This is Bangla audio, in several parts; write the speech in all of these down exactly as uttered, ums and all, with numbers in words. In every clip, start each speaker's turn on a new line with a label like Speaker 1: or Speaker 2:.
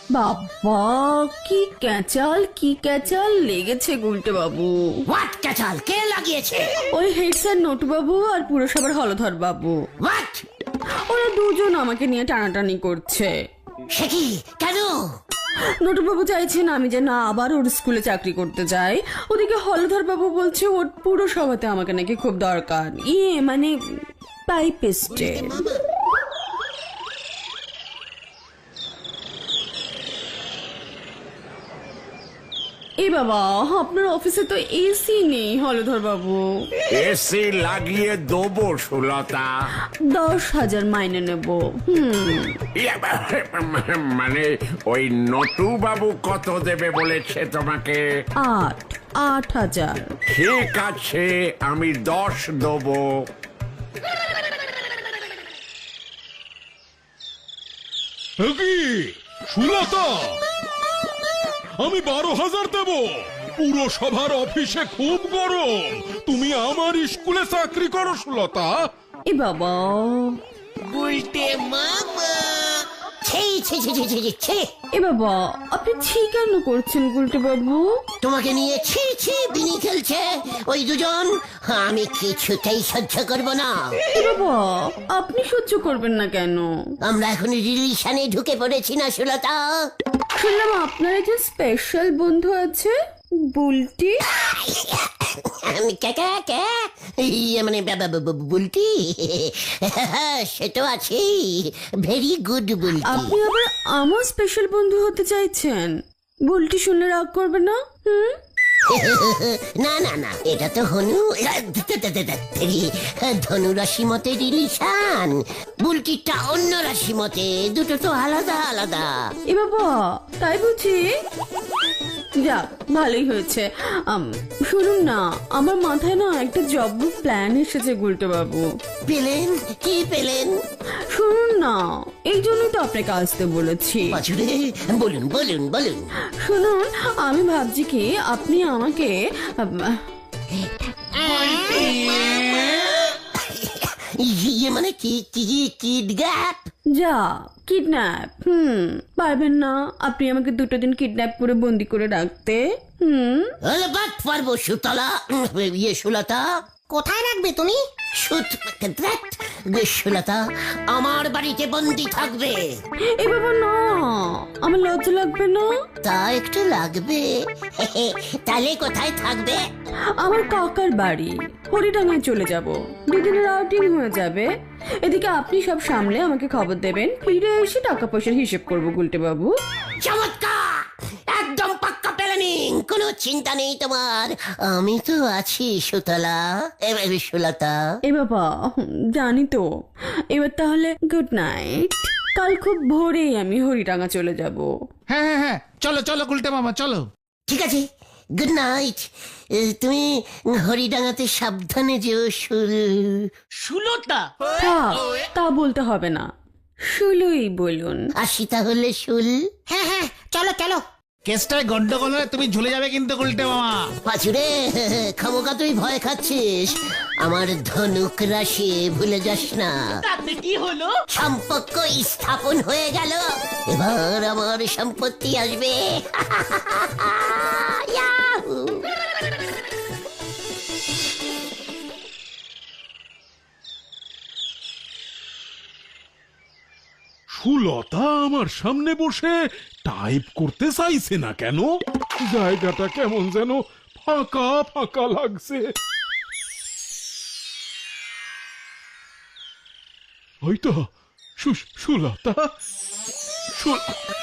Speaker 1: বাবা কি ক্যাচাল কি ক্যাচাল লেগেছে গুলটে বাবু।
Speaker 2: হোয়াট ক্যাচাল? কে লাগিয়েছে?
Speaker 1: ওই হেড স্যার নটু বাবু আর পুরসভার হলধর বাবু।
Speaker 2: হোয়াট?
Speaker 1: ওরা দুজন আমাকে নিয়ে টানাটানি করছে।
Speaker 2: সে কি? কেন?
Speaker 1: নটু বাবু চাইছেন আমি যেন আবার ওর স্কুলে চাকরি করতে যাই। ওদিকে হলধর বাবু বলছে ওর পুরসভাতে আমাকে নাকি খুব দরকার। ইয়ে মানে পাইপিস্টে। এ বাবা, আপনার অফিসে তো এসি নেই হলধর বাবু।
Speaker 3: এসি লাগিয়ে দেবো সুলতা।
Speaker 1: দশ হাজার মাইনে নেব। হুম
Speaker 3: ইয়ে, মানে ওই নটু বাবু কত দেবে বলেছে তোমাকে?
Speaker 1: আট আট হাজার।
Speaker 3: ঠিক আছে, আমি দশ দেবো।
Speaker 4: কি সুলতা, আমি বারো হাজার দেব। পুরসভার অফিসে খুব গরম, তুমি আমার স্কুলে চাকরি করো সুলতা।
Speaker 1: এ বাবা,
Speaker 2: ছি ছি ছি ছি ছি ছি।
Speaker 1: এ বাবা আপনি ছি কেন করছেন গুলটে বাবু?
Speaker 2: তোমাকে নিয়ে ছি ছি বিনি খেলছে ওই দুজন। আমি কিছুতেই সহ্য করব না।
Speaker 1: এ বাবা আপনি সহ্য করবেন না কেন?
Speaker 2: আমরা এখন রিলেশনে ঢুকে পড়েছি না সুলতা?
Speaker 1: শুনলাম আপনার একজন স্পেশাল বন্ধু আছে, বুলটি।
Speaker 2: আমি কে কে কে ইয়ে মানে বা- বা- বা- বুলটি। সে তো আছেই, ভেরি গুড বুলটি।
Speaker 1: আপনি আবার আমার স্পেশাল বন্ধু হতে চাইছেন? বুলটি শুনলে রাগ করবে না? হুম
Speaker 2: না না না, এটা তো হনু ধনু রাশি মতে রিলেশন, বুলটিটা অন্য রাশি মতে, দুটো তো আলাদা আলাদা।
Speaker 1: এ বাবা তাই বুঝি? যাক ভালোই হয়েছে। আম, শুনুন না, আমার মাথায় না একটা জব্দ প্ল্যান এসেছে গুলটে বাবু।
Speaker 2: পেলেন? কি পেলেন?
Speaker 1: শুনুন না, এই জন্যই তো আপনাকে আসতে বলেছি।
Speaker 2: বাছুরে বলুন বলুন বলুন।
Speaker 1: শুনুন, আমি ভাবছি কি আপনি আমাকে আম,
Speaker 2: ইয়ে মানে কি কি কিডগ্যাপ?
Speaker 1: যা কিডন্যাপ। হুম পারবেন না আপনি আমাকে দুটো দিন কিডন্যাপ করে বন্দি করে রাখতে? হুম
Speaker 2: বাট পারবো সুতলা, ইয়ে সুলতা। কোথায় রাখবে তুমি? সুত সুলতা আমার বাড়িতে বন্দি থাকবে।
Speaker 1: এ বাবা না, আমার লজ্জা লাগবে না?
Speaker 2: তা একটু লাগবে। তাহলে কোথায় থাকবে?
Speaker 1: আমার কাকার বাড়ি হরিডাঙ্গায় চলে যাব, দুদিনের আউটিং হয়ে যাবে। এদিকে আপনি সব সামলে আমাকে খবর দেবেন, ফিরে এসে টাকা পয়সার হিসেব করবো গুলটে বাবু।
Speaker 2: চমৎকার, একদম পাক্কা প্ল্যানিং, কোনো চিন্তা নেই তোমার। আমি তো আছি সুতলা, এবার সুলতা।
Speaker 1: এ বাবা হুম, জানি তো। এবার তাহলে গুড নাইট। কাল খুব ভোরেই আমি হরিডাঙ্গা চলে যাব।
Speaker 5: হ্যাঁ হ্যাঁ হ্যাঁ, চলো চলো গুলটে মামা চলো।
Speaker 2: ঠিক আছে, গুড নাইট। তুমি হরিডাঙ্গাতে সাবধানে যেও সুল সুলতা।
Speaker 1: থাক, তা বলতে হবে না, শুলুই বলুন।
Speaker 2: আসি তাহলে শুল।
Speaker 5: হ্যাঁ হ্যাঁ চলো চলো। কেসটায় গন্ডগোল হলে তুমি ঝুলে যাবে কিন্তু গুলটে মামা।
Speaker 2: পাচুরে খামোকা তুই ভয় খাচ্ছিস, আমার ধনুক রাশি ভুলে যাস না। তাতে কি হলো? সম্পর্ক স্থাপন হয়ে গেল, এবার আমার সম্পত্তি আসবে। ইয়াহু!
Speaker 4: সুলতা আমার সামনে বসে টাইপ করতে চাইছে না কেন? জায়গাটা কেমন যেন ফাঁকা ফাঁকা লাগছে। হয়তো সু- সুলতা সু-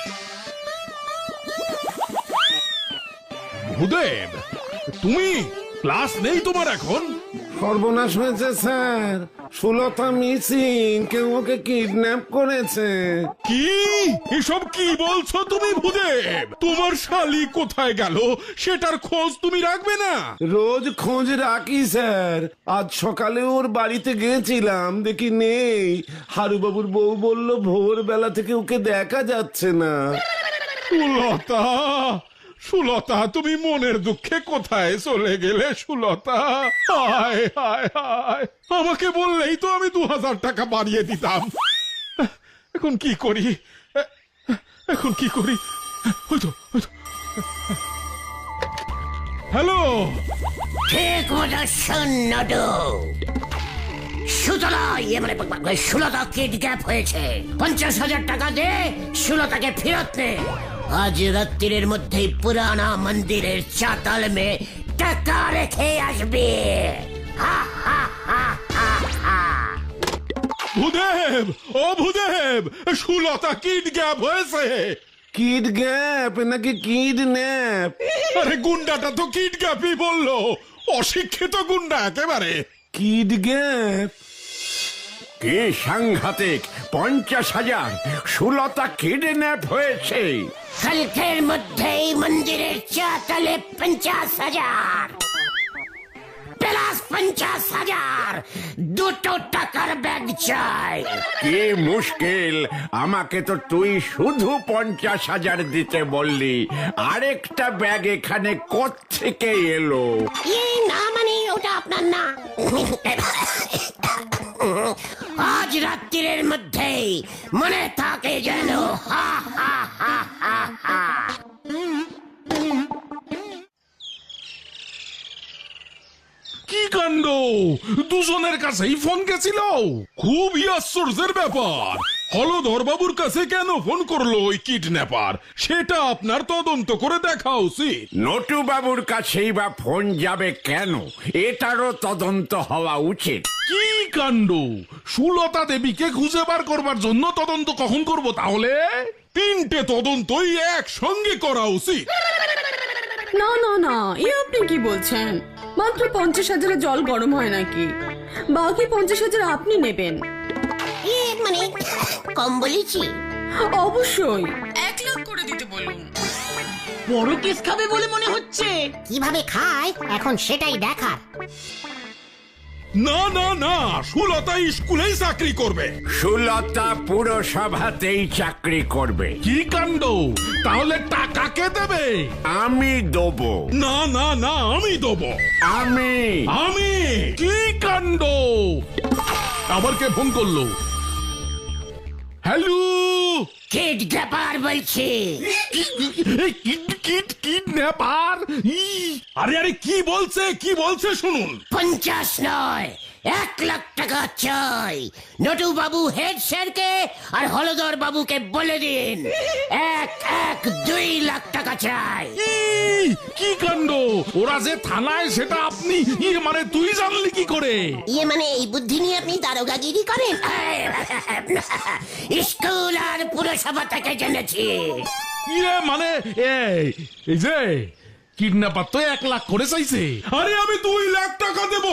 Speaker 4: ভূদেব, তুমি ক্লাস নেই তোমার এখন?
Speaker 6: সর্বনাশ হয়েছে স্যার, সুলতা মিসিং, কেউ ওকে কিডন্যাপ করেছে।
Speaker 4: কি এসব কি বলছো তুমি ভূদেব? তোমার শালি কোথায় গেল সেটার খোঁজ তুমি রাখবে না?
Speaker 6: রোজ খোঁজ রাখি স্যার, আজ সকালে ওর বাড়িতে গেছিলাম, দেখি নেই। হারুবাবুর বউ বলল ভোরবেলা থেকে ওকে দেখা যাচ্ছে না।
Speaker 4: সুলতা, সুলতা তুমি মনের দুঃখে কোথায় চলে গেলে সুলতা? হায় হায় হায়, আমাকে বললেই তো আমি দু হাজার টাকা বাড়িয়ে দিতাম। এখন কি করি? এখন কি করি? হয়তো হয়তো হ্যালো,
Speaker 2: ঠিক মতো শোন নটু। সুতলা ইয়ে মানে সুলতা কিডন্যাপ হয়েছে। পঞ্চাশ হাজার টাকা দে, সুলতাকে ফেরত নে। আজ রাত্রির মধ্যেই পুরানা মন্দিরের চাতাল মে টাকা রেখে আসবে। হা হা হা হা হা।
Speaker 4: ভূদেব, ও ভূদেব, সুলতা কিডন্যাপ হয়েছে।
Speaker 6: কিড গ্যাপ নাকি কিডন্যাপ?
Speaker 4: আরে গুন্ডাটা তো কিডন্যাপই বললো, অশিক্ষিত গুন্ডা একেবারে।
Speaker 6: Kid gap?
Speaker 3: কি সাংঘাতিক! পঞ্চাশ হাজার! সুলতা কিডন্যাপ হয়েছে।
Speaker 2: কালকের মধ্যেই মন্দিরের চাতালে পঞ্চাশ হাজার প্লাস পঞ্চাশ হাজার দুটো টাকার ব্যাগ চাই।
Speaker 3: কি মুশকিল! আমাকে তো তুই শুধু পঞ্চাশ হাজার দিতে বললি, আরেকটা ব্যাগ এখানে কোত্থেকে এলো?
Speaker 2: এই না মানে ওটা আপনার না। আজ রাত্রির মধ্যেই মনে থাকে যেন। হা হা হা হা হা।
Speaker 4: কি কাণ্ড! দুজনের কাছেই ফোন গেছিল। খুবই আশ্চর্যের ব্যাপার। হলধর বাবুর কাছে কেন ফোন করলো ওই কিডন্যাপার, সেটা আপনার তদন্ত করে দেখা উচিত।
Speaker 3: নটু বাবুর কাছেই বা ফোন যাবে কেন? এটারও তদন্ত হওয়া উচিত।
Speaker 4: কি কাণ্ড! সুলতা দেবীকে খুঁজে বার করবার জন্য তদন্ত কখন করব তাহলে? তিনটে তদন্তই একসঙ্গে করা উচিত।
Speaker 1: না না না, এ আপনি কি বলছেন? মাত্র পঞ্চাশ হাজারে জল গরম হয় নাকি? বাকি পঞ্চাশ হাজার আপনি নেবেন।
Speaker 2: এ মানে কম বলেছি?
Speaker 1: অবশ্যই এক লাখ করে দিতে বলুন।
Speaker 7: বড় কেস খাবে বলে মনে হচ্ছে।
Speaker 2: কিভাবে খায় এখন সেটাই দেখার।
Speaker 4: না না না, সুলতা স্কুলেই চাকরি করবে।
Speaker 3: সুলতা পুরসভাতেই চাকরি করবে।
Speaker 4: কি কাণ্ড! তাহলে টাকা কে দেবে?
Speaker 3: আমি দেবো।
Speaker 4: না না না, আমি দেবো।
Speaker 3: আমি
Speaker 4: আমি? কি কাণ্ড! আবার কে ফোন করলো? হ্যালো,
Speaker 2: কিডন্যাপার বলছি।
Speaker 4: কিডন্যাপার? আরে আরে কি বলছে, কি বলছে শুনুন।
Speaker 2: পঞ্চাশ নয়, এক লাখ টাকা চাই। নটু বাবু হেড স্যারকে আর হলধর বাবুকে বলে দিন এক এক দুই লাখ টাকা চাই।
Speaker 4: ই, কি কাণ্ড! ওরা যে থানায় সেটা আপনি ইয়ে মানে তুই জানলি কি করে?
Speaker 2: ইয়ে মানে এই বুদ্ধি নিয়ে আপনি দারোগাগিরি করেন? স্কুল আর পুরসভা থেকে জেনেছি।
Speaker 4: ইয়ে মানে এই এই যে কিডন্যাপার তো এক লাখ করে চাইছে। আরে আমি দুই লাখ টাকা দেব।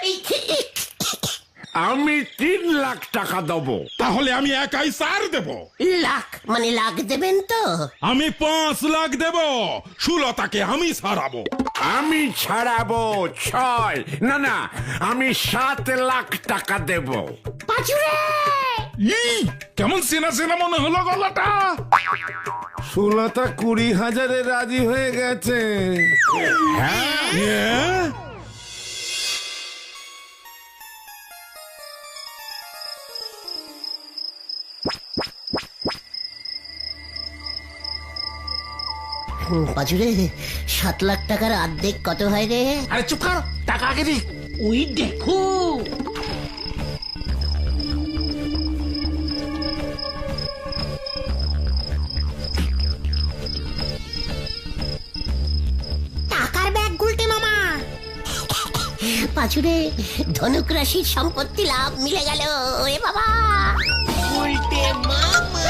Speaker 3: আমি তিন লাখ টাকা দেবো।
Speaker 4: তাহলে আমি একাই চার দেব।
Speaker 2: লাখ মানে লাখ দেবেন তো?
Speaker 4: আমি পাঁচ লাখ দেব। সুলতাকে আমি ছাড়াবো।
Speaker 3: আমি ছাড়াবো ছয়, না না, আমি সাত লাখ টাকা দেব।
Speaker 2: পাঁচুরে
Speaker 4: ই, কেমন চেনা চেনা মনে হলো গলাটা।
Speaker 6: সুলতা কুড়ি হাজারে রাজি হয়ে গেছে।
Speaker 4: হ্যাঁ?
Speaker 2: পাঁচুরে সাত লাখ টাকার অর্ধেক কত হয় রে?
Speaker 5: আরে চুপ কর, টাকা আগে দি।
Speaker 7: ওই দেখো,
Speaker 2: টাকার ব্যাগ গুলটে মামা। পাঁচুরে ধনুক রাশির সম্পত্তি লাভ মিলে গেল এ বাবা।
Speaker 7: উল্টে মামা।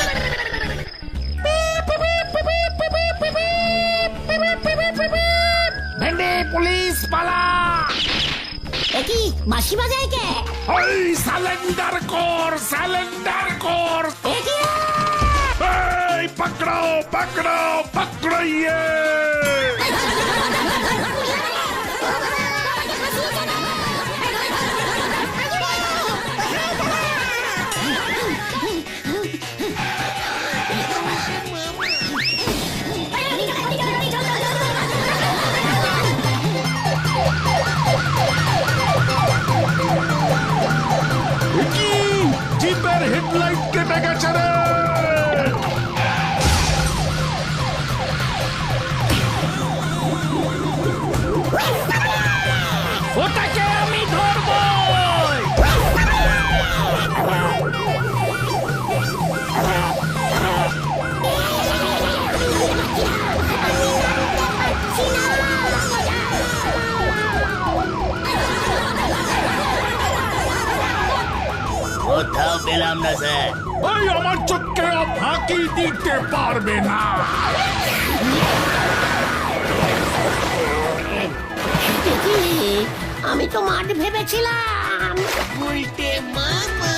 Speaker 5: ভেন্ডে পুলিশ পালা।
Speaker 2: একই বাঁশি বাজায় কে?
Speaker 4: ওই সালেন্ডার কর, সালেন্ডার কর।
Speaker 2: একই
Speaker 4: এই পকড়াও, পকড়াও, পকড়াইয়ে। জিপের হেডলাইট কেটে গেছে রে।
Speaker 5: পারলাম না স্যার।
Speaker 4: ওই আমার চোখকে ফাঁকি দিতে পারবে না।
Speaker 2: দেখি, আমি তো মাঠ ভেবেছিলাম।
Speaker 7: উল্টে মামা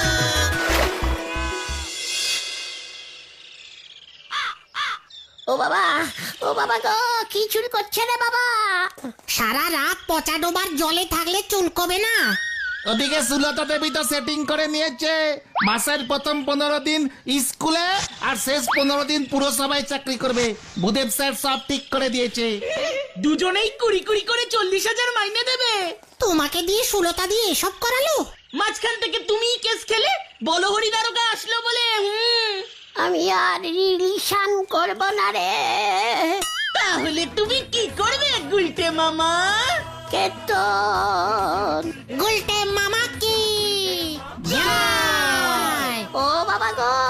Speaker 2: ও বাবা, ও বাবা গো, কি চুরি করছে রে বাবা?
Speaker 8: সারা রাত পচা ডোবার জলে থাকলে চুলকবে না।
Speaker 5: ওদিকে সুলতা দেবী তো সেটিং করে নিয়েছে, মাসের প্রথম পনেরো দিন স্কুলে আর শেষ পনেরো দিন পুরসভায় চাকরি করবে। ভূদেব স্যার সব ঠিক করে দিয়েছে।
Speaker 7: দুজনেই কুড়ি কুড়ি করে চল্লিশ হাজার মাইনে দেবে।
Speaker 8: তোমাকে দিয়ে সুলতা দিয়ে এসব করালো?
Speaker 7: মাঝখান থেকে তুমিই কেস খেলে, বলো হরি দারোগা আসলো বলে। হুম,
Speaker 2: আমি আর রিলিশন করব না রে।
Speaker 7: তাহলে তুমি কি করবে গুলটে মামা?
Speaker 2: কেতন,
Speaker 8: গুলটে মামা কি জয়।
Speaker 2: ও বাবা গো,